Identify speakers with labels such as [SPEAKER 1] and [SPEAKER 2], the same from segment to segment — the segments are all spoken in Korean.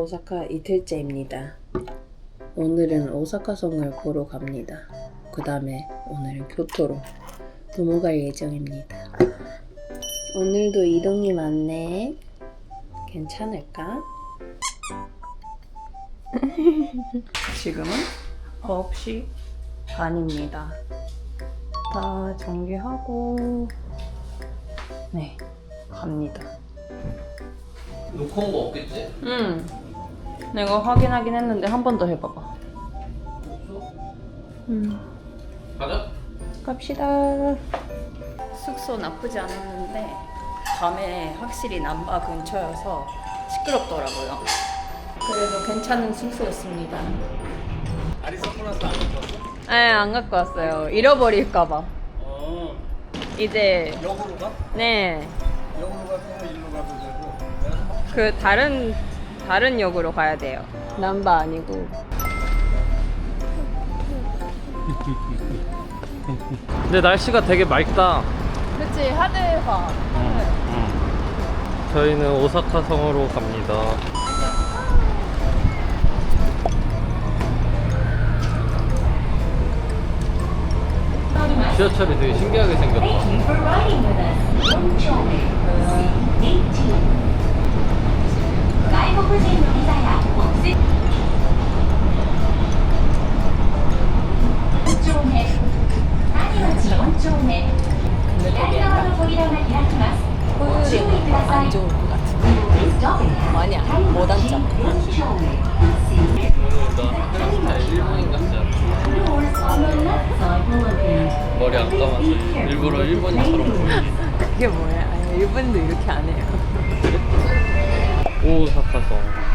[SPEAKER 1] 오사카 이틀째입니다. 오늘은 오사카성을 보러 갑니다. 그 다음에 오늘은 교토로 넘어갈 예정입니다. 오늘도 이동이 많네. 괜찮을까? 지금은 9시 반입니다. 다 정리하고 네, 갑니다.
[SPEAKER 2] 놓고 온 거 없겠지?
[SPEAKER 1] 응. 내가 확인하긴 했는데 한 번 더 해봐봐.
[SPEAKER 2] 가자.
[SPEAKER 1] 갑시다. 숙소 나쁘지 않았는데 밤에 확실히 남바 근처여서 시끄럽더라고요. 그래도 괜찮은 숙소였습니다.
[SPEAKER 2] 아리 선글라스 안 갖고 왔어?
[SPEAKER 1] 네, 안 갖고 왔어요. 잃어버릴까봐. 이제
[SPEAKER 2] 역으로 가?
[SPEAKER 1] 네,
[SPEAKER 2] 역으로 가도 일로 가도 되고.
[SPEAKER 1] 그 다른 역으로 가야 돼요. 남바 아니고.
[SPEAKER 3] 근데 날씨가 되게 맑다.
[SPEAKER 1] 그치, 하늘과
[SPEAKER 3] 저희는 오사카 성으로 갑니다. 지하철이 되게 신기하게 생겼다.
[SPEAKER 1] 호율이 안 좋을 것 같은데. 아니야, 못 앉아.
[SPEAKER 3] 헤어스타일 일본인 같지 않아? 머리 안 감아서 일부러 일본인처럼 보이네.
[SPEAKER 1] 그게 뭐야? 아니, 일본도 이렇게 안 해요.
[SPEAKER 3] 오사카성.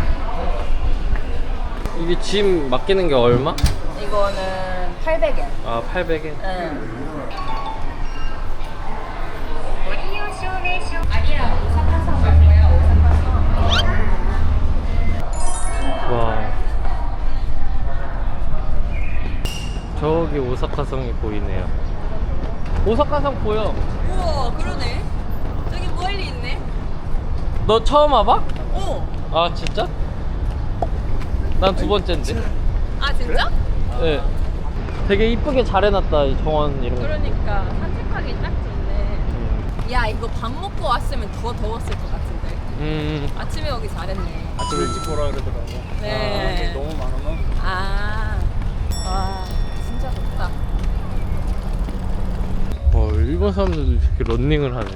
[SPEAKER 3] 이게 짐 맡기는 게 얼마?
[SPEAKER 1] 이거는 800엔.
[SPEAKER 3] 아, 800엔.
[SPEAKER 1] 응. 아니라 오사카성 맞고요. 오사카성.
[SPEAKER 3] 와. 저기 오사카성이 보이네요. 오사카성 보여.
[SPEAKER 1] 우와, 그러네. 저기 멀리 있네.
[SPEAKER 3] 너 처음 와봐?
[SPEAKER 1] 오.
[SPEAKER 3] 아, 진짜? 난 두 번째인데.
[SPEAKER 1] 아, 진짜?
[SPEAKER 3] 네. 되게 이쁘게 잘 해놨다, 이 정원 이런 거.
[SPEAKER 1] 그러니까 산책하기 딱 좋네. 야, 이거 밥 먹고 왔으면 더 더웠을 것 같은데. 아침에 오기 잘했네.
[SPEAKER 2] 아침 일찍 보라 그러더라고.
[SPEAKER 1] 네.
[SPEAKER 2] 아, 너무 많으면.
[SPEAKER 1] 아, 와, 진짜 덥다.
[SPEAKER 3] 일본 사람들도 이렇게 런닝을 하네.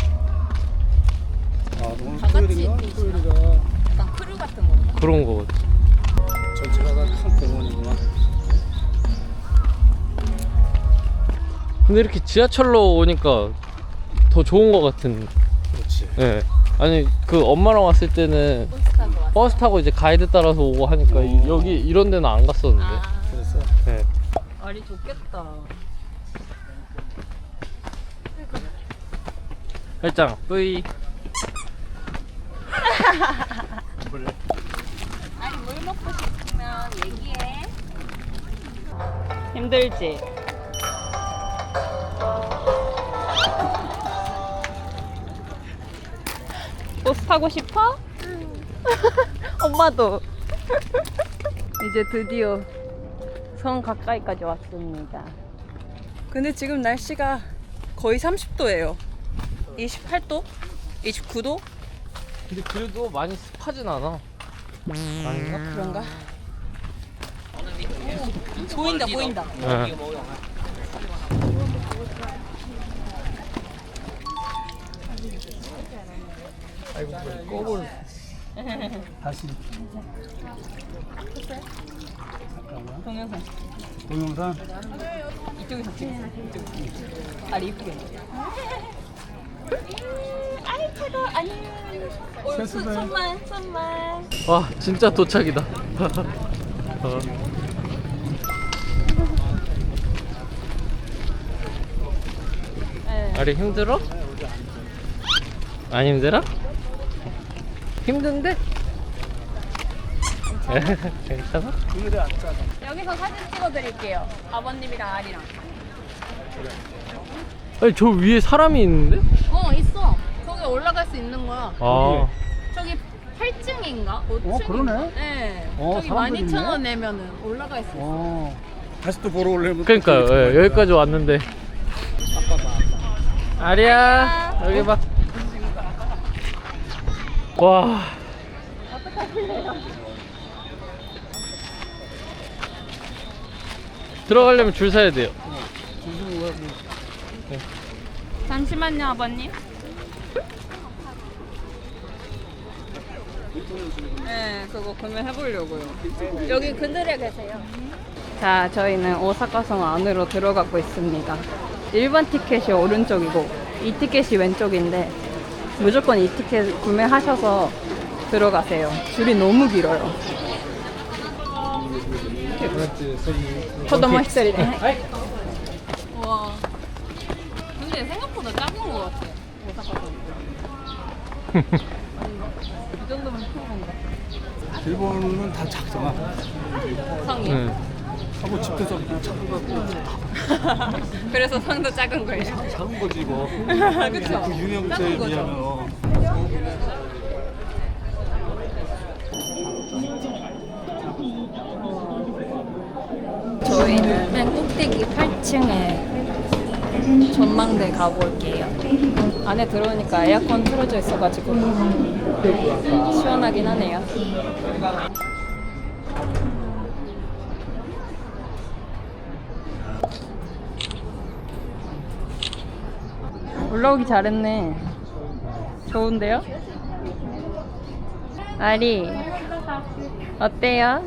[SPEAKER 2] 아, 오늘
[SPEAKER 1] 다 같이
[SPEAKER 2] 토요일인가?
[SPEAKER 1] 뛰시나?
[SPEAKER 2] 토요일이라
[SPEAKER 1] 약간 크루 같은 건가?
[SPEAKER 3] 그런 거 같아.
[SPEAKER 2] 전체가 다 큰 공원이구만.
[SPEAKER 3] 근데 이렇게 지하철로 오니까 더 좋은 거 같은.
[SPEAKER 2] 그렇지.
[SPEAKER 3] 예. 아니, 그 엄마랑 왔을 때는
[SPEAKER 1] 버스 타고 왔어.
[SPEAKER 3] 버스 타고 이제 가이드 따라서 오고 하니까 여기 이런 데는 안 갔었는데.
[SPEAKER 1] 아,
[SPEAKER 2] 그래서
[SPEAKER 3] 예.
[SPEAKER 1] 알이 좋겠다.
[SPEAKER 3] 살짝 뿌이.
[SPEAKER 1] 아니, 물 먹고 싶으면 얘기해. 힘들지? 버스 타고 싶어? 엄마도. 이제 드디어 성 가까이까지 왔습니다. 근데 지금 날씨가 거의 30도예요. 28도? 29도?
[SPEAKER 3] 근데 그래도 많이 습하진 않아. 아닌가?
[SPEAKER 1] 그런가? 보인다, 보인다.
[SPEAKER 3] 예.
[SPEAKER 2] 아이고 껌을 다시 잠깐만.
[SPEAKER 1] 동영상.
[SPEAKER 2] 동영상.
[SPEAKER 1] 이쪽에서 찍어. 아리 이쁘게. 아이 차가 아니.
[SPEAKER 2] 세수해.
[SPEAKER 1] 손만.
[SPEAKER 3] 와, 진짜 도착이다. 아리 힘들어? 안 힘들어? 힘든데? 괜찮아?
[SPEAKER 2] 오늘이 안 짜다.
[SPEAKER 1] 여기서 사진 찍어드릴게요. 아버님이랑 아리랑.
[SPEAKER 3] 아니, 저 위에 사람이 있는데?
[SPEAKER 1] 있어. 거기 올라갈 수 있는 거야.
[SPEAKER 3] 아,
[SPEAKER 1] 저기 8층인가? 5층인가?
[SPEAKER 2] 그러네.
[SPEAKER 1] 네. 저기
[SPEAKER 2] 사람들
[SPEAKER 1] 12,000원
[SPEAKER 2] 있네.
[SPEAKER 1] 내면은 올라갈 수 있어.
[SPEAKER 2] 다시 또 보러 올래면.
[SPEAKER 3] 그러니까요. 예, 여기까지 왔는데. 아리야, 여기 봐. 와. 들어가려면 줄 서야 돼요.
[SPEAKER 1] 잠시만요, 아버님. 네, 그거 구매해보려고요. 여기 그늘에 계세요. 자, 저희는 오사카성 안으로 들어가고 있습니다. 1번 티켓이 오른쪽이고 2티켓이 왼쪽인데 무조건 2티켓 구매하셔서 들어가세요. 줄이 너무 길어요. 포도모 히스토리네. 와. 근데 생각보다 작은 것 같아. 오사카성. 이 정도면 큰 건가?
[SPEAKER 2] 일본은 다 작잖아.
[SPEAKER 1] 성이.
[SPEAKER 2] 하고 집도 좀 작은 거 같고.
[SPEAKER 1] 그래서 성도 작은 거예요.
[SPEAKER 2] 작은 거지 이거.
[SPEAKER 1] 그쵸?
[SPEAKER 2] 그 유명세에
[SPEAKER 1] 작은 거죠.
[SPEAKER 2] 비하면.
[SPEAKER 1] 저희는 맨 꼭대기 8층에 전망대 가볼게요. 안에 들어오니까 에어컨 틀어져 있어가지고 시원하긴 하네요. 올라오기 잘했네. 좋은데요? 아리 어때요?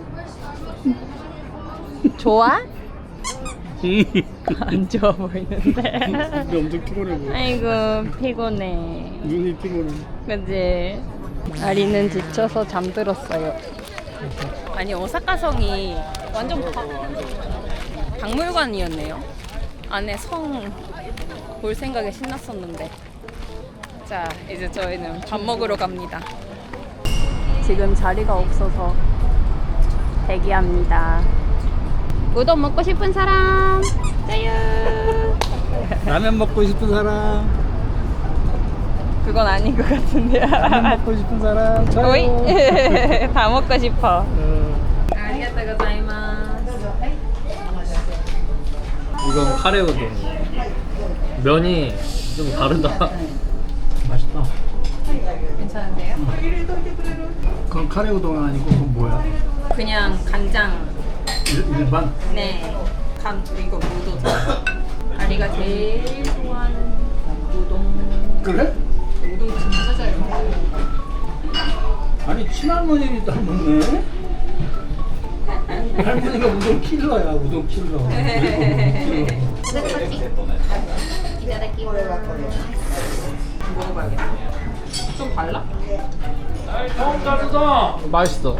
[SPEAKER 1] 좋아? 안 좋아 보이는데.
[SPEAKER 2] 근데 엄청 피곤해 보여.
[SPEAKER 1] 아이고 피곤해.
[SPEAKER 2] 눈이 피곤해.
[SPEAKER 1] 그치? 아리는 지쳐서 잠들었어요. 아니 오사카성이 완전 박물관이었네요. 안에 성 볼 생각에 신났었는데. 자 이제 저희는 밥 먹으러 갑니다. 지금 자리가 없어서 대기합니다. 우동 먹고 싶은 사람? 짜요.
[SPEAKER 2] 라면 먹고 싶은 사람.
[SPEAKER 1] 그건 아닌 것 같은데요.
[SPEAKER 2] 라면 먹고 싶은 사람. 저요.
[SPEAKER 1] 오이? 다 먹고 싶어. 아리가또 고자이마스.
[SPEAKER 3] 이건 카레 우동. 면이 좀 다르다.
[SPEAKER 2] 맛있다.
[SPEAKER 1] 괜찮은데요?
[SPEAKER 2] 그건 카레 우동 아니고 그건 뭐야?
[SPEAKER 1] 그냥 간장.
[SPEAKER 2] 일반?
[SPEAKER 1] 네. 이거 무도죠. 아리가 제일 좋아하는 우동.
[SPEAKER 2] 그래?
[SPEAKER 1] 우동 진짜 잘 먹어.
[SPEAKER 2] 아니 친할머니도 안 먹네. 할머니가 우동 킬러야. 우동 킬러.
[SPEAKER 1] 먹어봐야겠다. 좀 달라?
[SPEAKER 3] 맛있어.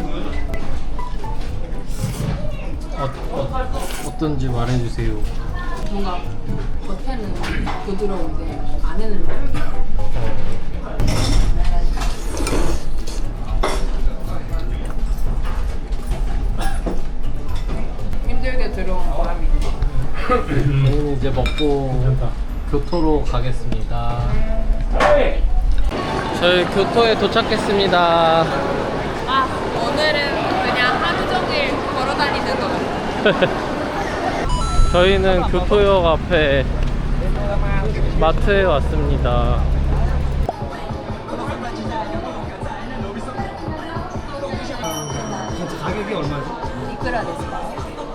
[SPEAKER 3] 어떤지 말해주세요.
[SPEAKER 1] 뭔가 겉에는 부드러운데 안에는 힘들게 들어온 바람이 있네.
[SPEAKER 3] 저희는 이제 먹고 교토로 가겠습니다. 저희 교토에 도착했습니다.
[SPEAKER 1] 아 오늘은 그냥 하루 종일 걸어 다니는 거 같아.
[SPEAKER 3] 저희는 교토역 앞에 마트에 왔습니다.
[SPEAKER 2] 가격이 얼마지?
[SPEAKER 1] 이끌어야 됐어.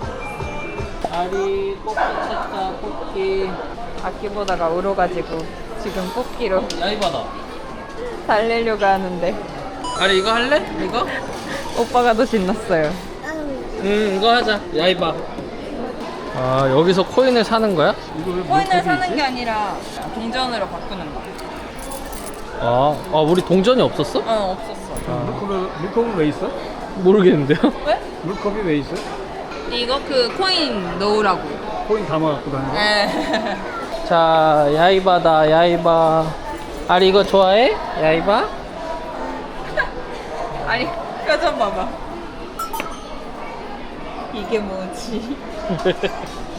[SPEAKER 3] 아리 뽑기 찾자 뽑기.
[SPEAKER 1] 바퀴 보다가 울어가지고 지금 뽑기로
[SPEAKER 3] 야이바다.
[SPEAKER 1] 달래려고 하는데
[SPEAKER 3] 아리 이거 할래? 이거?
[SPEAKER 1] 오빠가 더 신났어요.
[SPEAKER 3] 이거 하자. 야이바. 아 여기서 코인을 사는 거야?
[SPEAKER 1] 코인을 사는 게 아니라 동전으로 바꾸는 거.
[SPEAKER 3] 아 우리 동전이 없었어?
[SPEAKER 1] 없었어.
[SPEAKER 2] 물컵은 왜 있어?
[SPEAKER 3] 모르겠는데요?
[SPEAKER 1] 왜?
[SPEAKER 2] 물컵이 왜 있어?
[SPEAKER 1] 이거 그 코인 넣으라고.
[SPEAKER 2] 코인 담아갖고 다니는 거?
[SPEAKER 1] 네.
[SPEAKER 3] 자 야이바다 야이바. 아리 이거 좋아해? 야이바?
[SPEAKER 1] 아니 표정 봐봐. 이게 뭐지?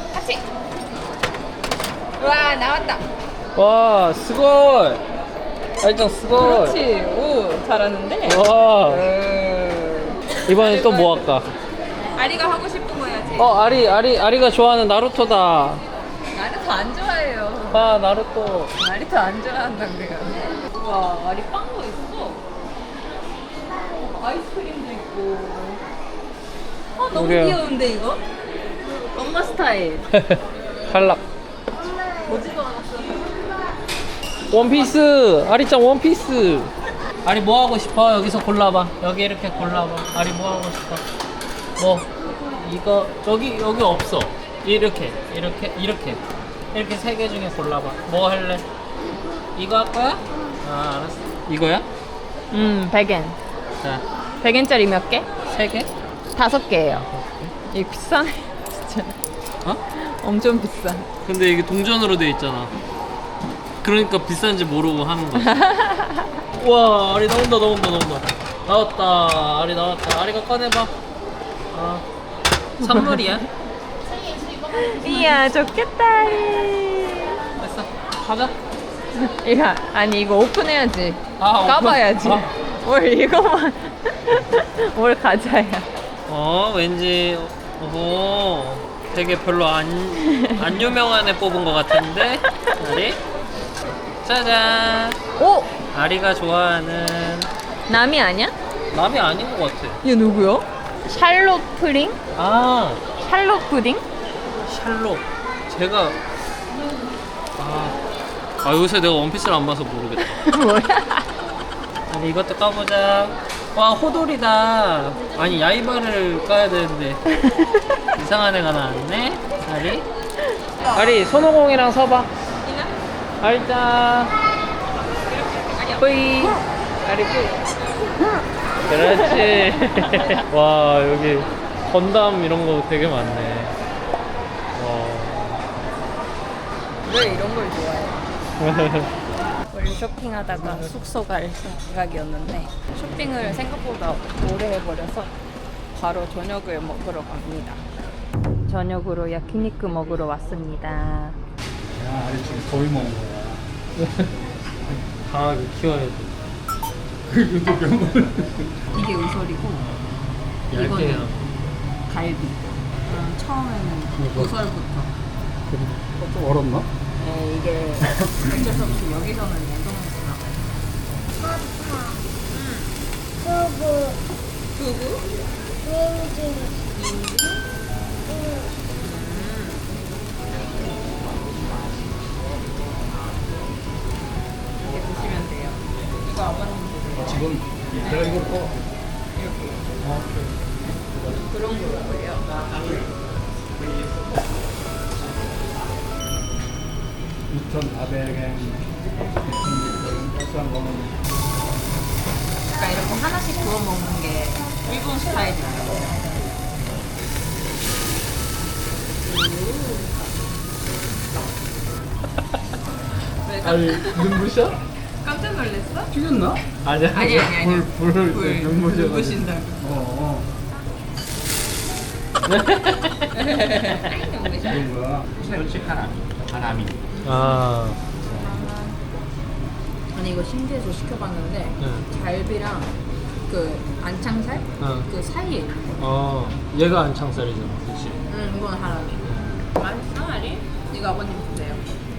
[SPEAKER 1] 같이. 와 나왔다.
[SPEAKER 3] 와 스골. 아리짱 스고.
[SPEAKER 1] 그렇지. 오, 잘하는데.
[SPEAKER 3] 와. 이번엔 또 뭐 할까?
[SPEAKER 1] 아리가 하고 싶은 거 해야지.
[SPEAKER 3] 아리가 좋아하는 나루토다.
[SPEAKER 1] 나루토 안 좋아해요.
[SPEAKER 3] 아, 나루토.
[SPEAKER 1] 나루토 안 좋아한다고요. 와, 아리 빵도 있어. 아이스크림도 있고. 너무
[SPEAKER 3] 우리야.
[SPEAKER 1] 귀여운데 이거? 엄마 스타일.
[SPEAKER 3] 탈락.
[SPEAKER 1] 보지도 않았어.
[SPEAKER 3] 원피스. 아리짱 원피스. 아리 뭐 하고 싶어? 여기서 골라봐. 여기 이렇게 골라봐. 아리 뭐 하고 싶어? 뭐 이거 여기 없어. 이렇게 세 개 중에 골라봐. 뭐 할래? 이거 할 거야? 아, 알았어. 이거야?
[SPEAKER 1] 100엔.
[SPEAKER 3] 자,
[SPEAKER 1] 100엔짜리 몇 개?
[SPEAKER 3] 3개?
[SPEAKER 1] 5개예요. 이거 비싸네. 진짜.
[SPEAKER 3] 어?
[SPEAKER 1] 엄청 비싸.
[SPEAKER 3] 근데 이게 동전으로 돼 있잖아. 그러니까 비싼지 모르고 하는 거지. 와, 아리 나온다. 나왔다. 아리 나왔다. 아리가 꺼내봐. 아, 선물이야?
[SPEAKER 1] 이야, 좋겠다.
[SPEAKER 3] 됐어. 가자.
[SPEAKER 1] 이거 아니 이거 오픈해야지.
[SPEAKER 3] 아, 오픈?
[SPEAKER 1] 까봐야지.
[SPEAKER 3] 아.
[SPEAKER 1] 뭘 이거만. 뭘 가자야.
[SPEAKER 3] 왠지 되게 별로 안 유명한 애 뽑은 것 같은데. 아리? 짜잔.
[SPEAKER 1] 오,
[SPEAKER 3] 아리가 좋아하는
[SPEAKER 1] 남이 아니야?
[SPEAKER 3] 남이 아닌 것 같아.
[SPEAKER 1] 얘 누구요? 샬롯 프링?
[SPEAKER 3] 아,
[SPEAKER 1] 샬롯 푸딩?
[SPEAKER 3] 샬롯. 제가 요새 내가 원피스를 안 봐서 모르겠다.
[SPEAKER 1] 뭐야?
[SPEAKER 3] 아니, 이것도 까보자. 와, 호돌이다. 아니, 야이바를 까야 되는데 이상한 애가 나왔네. 아리 손오공이랑 서봐. 아리짱 뿌이. 아리 뿌이. 그렇지. 와, 여기 건담 이런 거 되게 많네. 와.
[SPEAKER 1] 왜 이런 걸 좋아해? 원래 쇼핑하다가 숙소 갈 생각이었는데 쇼핑을 생각보다 오래 해버려서 바로 저녁을 먹으러 갑니다. 저녁으로 야키니크 먹으러 왔습니다.
[SPEAKER 2] 야, 아리 지금 거의 먹은 거야.
[SPEAKER 3] 강하게 키워야 돼.
[SPEAKER 2] 이것도 병원을.
[SPEAKER 1] 이게 의설이고
[SPEAKER 3] 얇게요.
[SPEAKER 1] 갈비. 처음에는 의설부터.
[SPEAKER 2] 좀 얼었나?
[SPEAKER 1] 네, 이게 어쩔 수 없이 여기서는 냉동해서 나가요. 두부? 이렇게 드시면 돼요. 이거 아버님 드세요.
[SPEAKER 2] 지금 내가 이걸 꺼.
[SPEAKER 1] 그런 거예요.
[SPEAKER 2] 2,400엔, 2,600엔, 비싼 거는.
[SPEAKER 1] 그러니까 이렇게 하나씩 구워 먹는 게 일본 스타일이에요. 왜
[SPEAKER 2] 아니, 눈부셔?
[SPEAKER 1] 깜짝 놀랐어?
[SPEAKER 2] 튀겼나?
[SPEAKER 3] 아니야.
[SPEAKER 1] 아니.
[SPEAKER 2] 불을
[SPEAKER 1] 불
[SPEAKER 2] 눈부셔.
[SPEAKER 1] 눈부신다고. 아이 눈부셔.
[SPEAKER 2] 이건 뭐야? 하나미.
[SPEAKER 3] 아,
[SPEAKER 1] 아니 이거 신기해서 시켜봤는데
[SPEAKER 3] 응.
[SPEAKER 1] 갈비랑 그 안창살
[SPEAKER 3] 응.
[SPEAKER 1] 그 사이에 있는 거.
[SPEAKER 3] 얘가 안창살이잖아, 그렇지?
[SPEAKER 1] 이건 하라미. 맛있어 아리? 이거 아버님 드세요.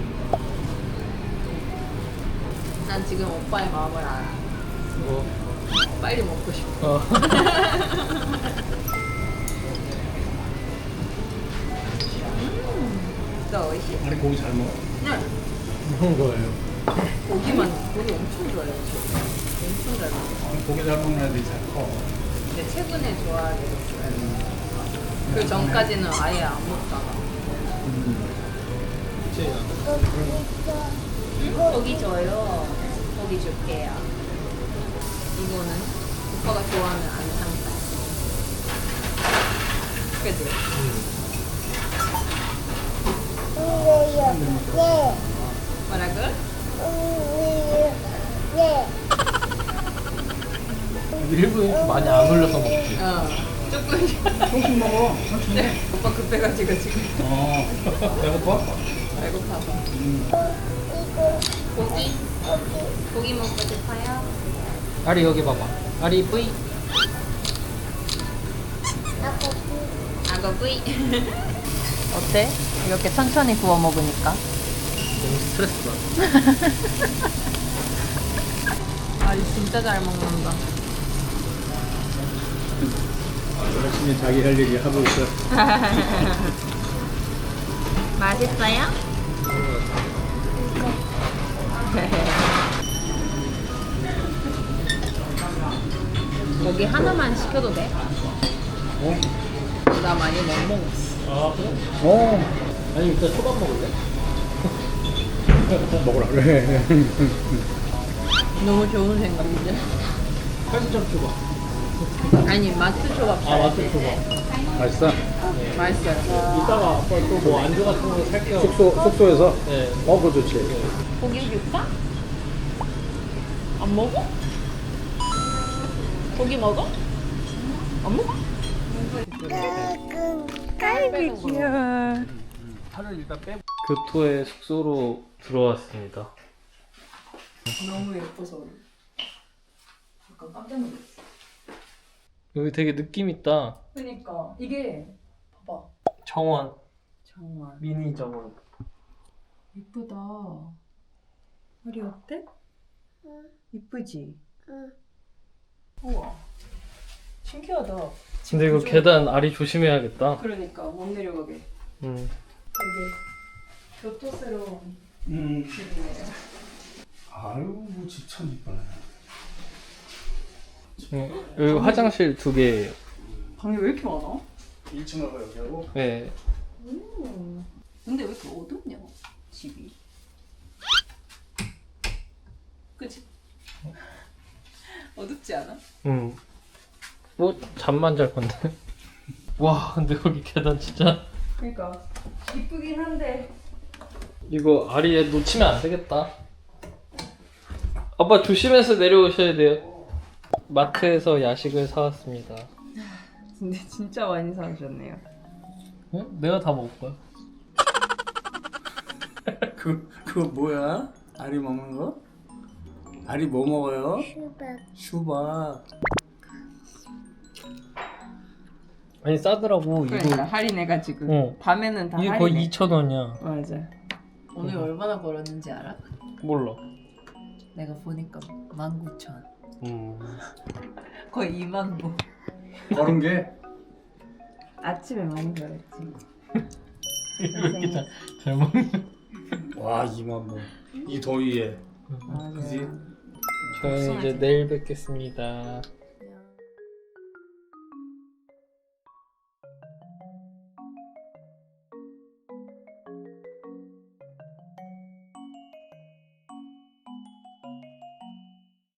[SPEAKER 1] 난 지금 오빠의 마음을 알아.
[SPEAKER 3] 뭐?
[SPEAKER 1] 빨리 먹고 싶어. 진짜 어이시.
[SPEAKER 2] 아니, 고기 잘 먹어.
[SPEAKER 1] 네.
[SPEAKER 3] 그런 거예요.
[SPEAKER 1] 고기 엄청 좋아해요. 저. 엄청 잘 먹어요.
[SPEAKER 2] 고기 잘 먹는 애들이 잘 커.
[SPEAKER 1] 근데 최근에 좋아하게 됐어요. 그 전까지는 아예 안 먹다가. 고기 줘요. 고기 줄게요. 이거는 오빠가 좋아하는 안상살. 그치? 뭐라고?
[SPEAKER 3] 일본 이렇게 많이 안 올려서 먹지.
[SPEAKER 1] 조금씩.
[SPEAKER 2] 조금씩 먹어.
[SPEAKER 1] 네. 오빠 급해가지고 지금.
[SPEAKER 2] 배고파?
[SPEAKER 1] 배고파서. 고기? 고기 먹고 싶어요?
[SPEAKER 3] 아리 여기 봐봐. 아리 뿌이.
[SPEAKER 1] 악어 구이. 어때? 이렇게 천천히 구워 먹으니까.
[SPEAKER 3] 너무 스트레스 받아.
[SPEAKER 1] 아리 진짜 잘 먹는다.
[SPEAKER 2] 열심히 자기 할 얘기 하고 있어.
[SPEAKER 1] 맛있어요? 고기 하나만 시켜도 돼? 나 많이 못 먹었어.
[SPEAKER 3] 아 그래? 아니 일단 초밥 먹을래?
[SPEAKER 2] 먹으라 그래.
[SPEAKER 1] 너무 좋은 생각인데?
[SPEAKER 3] 8점 초밥.
[SPEAKER 1] 아니 마트 초밥.
[SPEAKER 3] 아 맞다 초밥.
[SPEAKER 2] 맛있어?
[SPEAKER 1] 맛있어요.
[SPEAKER 3] 이따가 아빠 또 뭐 안주 같은 거 살게요.
[SPEAKER 2] 숙소에서?
[SPEAKER 3] 네.
[SPEAKER 2] 그거 좋지.
[SPEAKER 1] 고기 줄까? 안 먹어? 고기 먹어? 안 먹어? 깔비 귀여워.
[SPEAKER 2] 팔을 일단 빼고.
[SPEAKER 3] 교토의 숙소로 들어왔습니다.
[SPEAKER 1] 너무 예뻐서 약간 깜짝 놀랐어.
[SPEAKER 3] 여기 되게 느낌 있다.
[SPEAKER 1] 그러니까 이게 봐봐.
[SPEAKER 3] 정원.
[SPEAKER 1] 정말
[SPEAKER 3] 미니 정원.
[SPEAKER 1] 예쁘다. 머리 어때? 이쁘지? 우와 신기하다.
[SPEAKER 3] 근데 이거 계단 아리 조심해야겠다.
[SPEAKER 1] 그러니까 못 내려가게.
[SPEAKER 3] 음.
[SPEAKER 1] 되게 교토스러운
[SPEAKER 2] 음.
[SPEAKER 1] 집이네요.
[SPEAKER 2] 아유, 뭐 집 참 이쁘네.
[SPEAKER 3] 여기 화장실 2개.
[SPEAKER 1] 방이 왜 이렇게 많아?
[SPEAKER 2] 1층하고 여기하고.
[SPEAKER 3] 네.
[SPEAKER 1] 근데 왜 이렇게 어둡냐 집이? 그치? 어둡지 않아?
[SPEAKER 3] 뭐 잠만 잘 건데. 와, 근데 거기 계단 진짜.
[SPEAKER 1] 그러니까 이쁘긴 한데
[SPEAKER 3] 이거 아리에 놓치면 안 되겠다. 아빠 조심해서 내려오셔야 돼요. 마트에서 야식을 사왔습니다.
[SPEAKER 1] 근데 진짜 많이 사오셨네요.
[SPEAKER 3] 응? 내가 다 먹을 거야.
[SPEAKER 2] 그거 뭐야? 알이 먹는 거? 알이 뭐 먹어요? 수박.
[SPEAKER 3] 아니 싸더라고.
[SPEAKER 1] 그러니까
[SPEAKER 3] 이거
[SPEAKER 1] 할인해가지고
[SPEAKER 3] 어.
[SPEAKER 1] 밤에는 다
[SPEAKER 3] 이게
[SPEAKER 1] 할인해.
[SPEAKER 3] 거의 2,000원이야.
[SPEAKER 1] 맞아. 오늘 얼마나 벌었는지 알아?
[SPEAKER 3] 몰라.
[SPEAKER 1] 내가 보니까 19,000원.
[SPEAKER 3] 음.
[SPEAKER 1] 거의 2만 보.
[SPEAKER 2] 그런 게?
[SPEAKER 1] 아침에 많이 벌었지.
[SPEAKER 3] 왜 이렇게 잘 먹는?
[SPEAKER 2] 와, 2만 번. 이 더위에.
[SPEAKER 1] 맞아.
[SPEAKER 2] 그지?
[SPEAKER 3] 저희는 이제 내일 뵙겠습니다.